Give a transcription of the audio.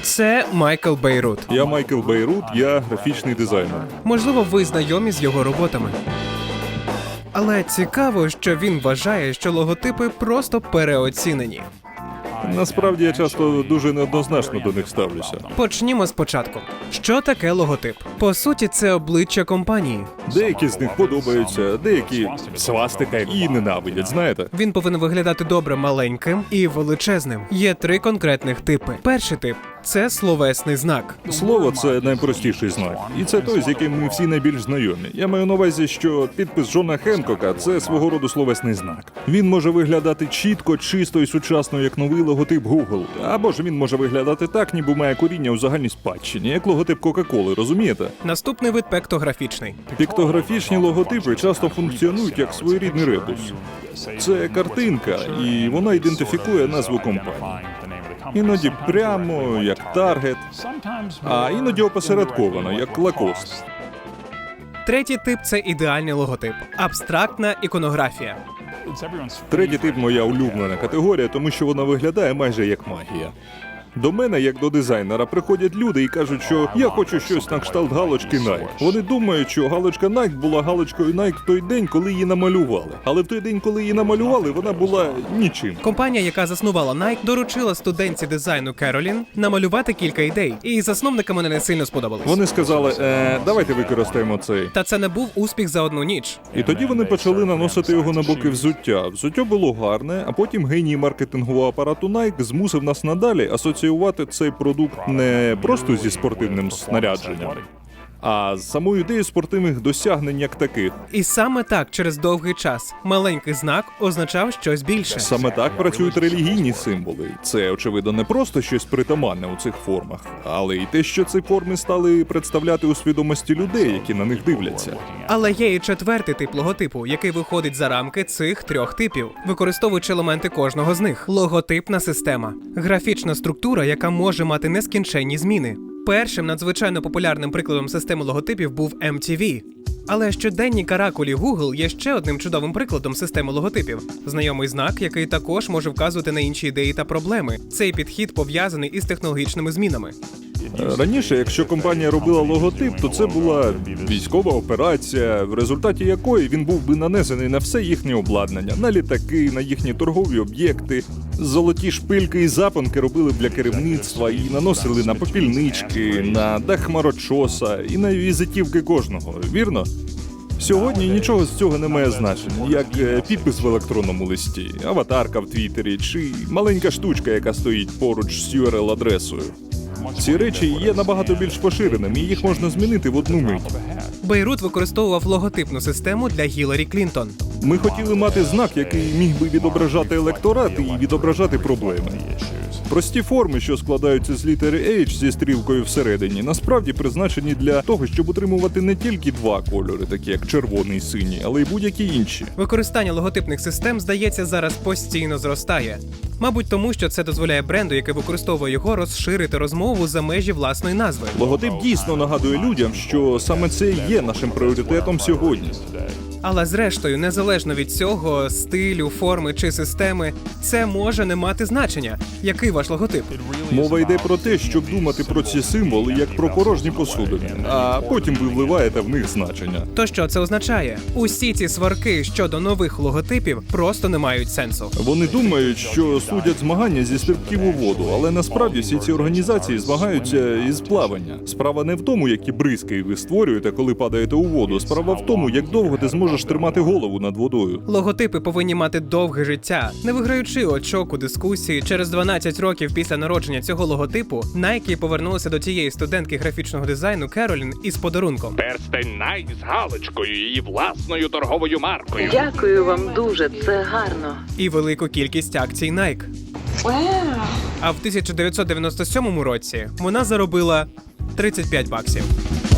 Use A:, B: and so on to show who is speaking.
A: Це Майкл Бейрут.
B: Я Майкл Бейрут, я графічний дизайнер.
A: Можливо, ви знайомі з його роботами. Але цікаво, що він вважає, що логотипи просто переоцінені.
B: Насправді я часто дуже неоднозначно до них ставлюся.
A: Почнімо спочатку. Що таке логотип? По суті, це обличчя компанії.
B: Деякі з них подобаються, деякі свастика і ненавидять, знаєте?
A: Він повинен виглядати добре маленьким і величезним. Є 3 конкретних типи. Перший тип – це словесний знак.
B: Слово – це найпростіший знак. І це той, з яким ми всі найбільш знайомі. Я маю на увазі, що підпис Джона Хенкока – це свого роду словесний знак. Він може виглядати чітко, чисто і сучасно, як новий логотип Google. Або ж він може виглядати так, ніби має коріння у загальній спадщині, як логотип Кока-Коли, розумієте?
A: Наступний вид – піктографічний.
B: Піктографічні логотипи часто функціонують як своєрідний ребус. Це картинка, і вона ідентифікує назву компанії. Іноді прямо, як Таргет, а іноді опосередковано, як Лакост.
A: Третій тип – це ідеальний логотип. Абстрактна іконографія.
B: Третій тип – моя улюблена категорія, тому що вона виглядає майже як магія. До мене, як до дизайнера, приходять люди і кажуть, що я хочу щось на кшталт галочки Nike. Вони думають, що галочка Nike була галочкою Nike в той день, коли її намалювали. Але в той день, коли її намалювали, вона була нічим.
A: Компанія, яка заснувала Nike, доручила студентці дизайну Керолін намалювати кілька ідей. І засновникам вони не сильно сподобались.
B: Вони сказали, давайте використаємо цей.
A: Та це не був успіх за одну ніч.
B: І тоді вони почали наносити його на боки взуття. Взуття було гарне, а потім геній маркетингового апарату Nike змусив нас надалі асоціювати цей продукт не просто зі спортивним снарядженням, а з самою ідеєю спортивних досягнень як таких.
A: І саме так, через довгий час, маленький знак означав щось більше.
B: Саме так працюють релігійні символи. Це, очевидно, не просто щось притаманне у цих формах, але й те, що ці форми стали представляти у свідомості людей, які на них дивляться.
A: Але є і четвертий тип логотипу, який виходить за рамки цих 3 типів, використовуючи елементи кожного з них. Логотипна система. Графічна структура, яка може мати нескінченні зміни. Першим надзвичайно популярним прикладом системи логотипів був MTV. Але щоденні каракулі Google є ще одним чудовим прикладом системи логотипів. Знайомий знак, який також може вказувати на інші ідеї та проблеми. Цей підхід пов'язаний із технологічними змінами.
B: Раніше, якщо компанія робила логотип, то це була військова операція, в результаті якої він був би нанесений на все їхнє обладнання, на літаки, на їхні торгові об'єкти. Золоті шпильки і запонки робили для керівництва і наносили на попільнички, на дах хмарочоса і на візитівки кожного, вірно? Сьогодні нічого з цього не має значення, як підпис в електронному листі, аватарка в Твіттері чи маленька штучка, яка стоїть поруч з URL-адресою. Ці речі є набагато більш поширеними, і їх можна змінити в одну мить.
A: Бейрут використовував логотипну систему для Гіларі Клінтон.
B: Ми хотіли мати знак, який міг би відображати електорат і відображати проблеми. Прості форми, що складаються з літери H зі стрілкою всередині, насправді призначені для того, щоб утримувати не тільки 2 кольори, такі як червоний і синій, але й будь-які інші.
A: Використання логотипних систем, здається, зараз постійно зростає. Мабуть, тому що це дозволяє бренду, який використовує його, розширити розмову за межі власної назви.
B: Логотип дійсно нагадує людям, що саме це і є нашим пріоритетом сьогодні.
A: Але зрештою, незалежно від цього, стилю, форми чи системи, це може не мати значення. Який ваш логотип?
B: Мова йде про те, щоб думати про ці символи як про порожні посудини, а потім ви вливаєте в них значення.
A: То що це означає? Усі ці сварки щодо нових логотипів просто не мають сенсу.
B: Вони думають, що судять змагання зі стрибків у воду, але насправді всі ці організації змагаються із плавання. Справа не в тому, які бризки ви створюєте, коли падаєте у воду. Справа в тому, як довго ти зможеш тримати голову над водою.
A: Логотипи повинні мати довге життя, не виграючи очок у дискусії. Через 12 років після народження цього логотипу Nike повернулися до тієї студентки графічного дизайну Керолін із подарунком.
C: Перстень Nike з галочкою, її власною торговою маркою.
D: Дякую вам дуже, це гарно.
A: І велику кількість акцій Nike. А в 1997 році вона заробила $35.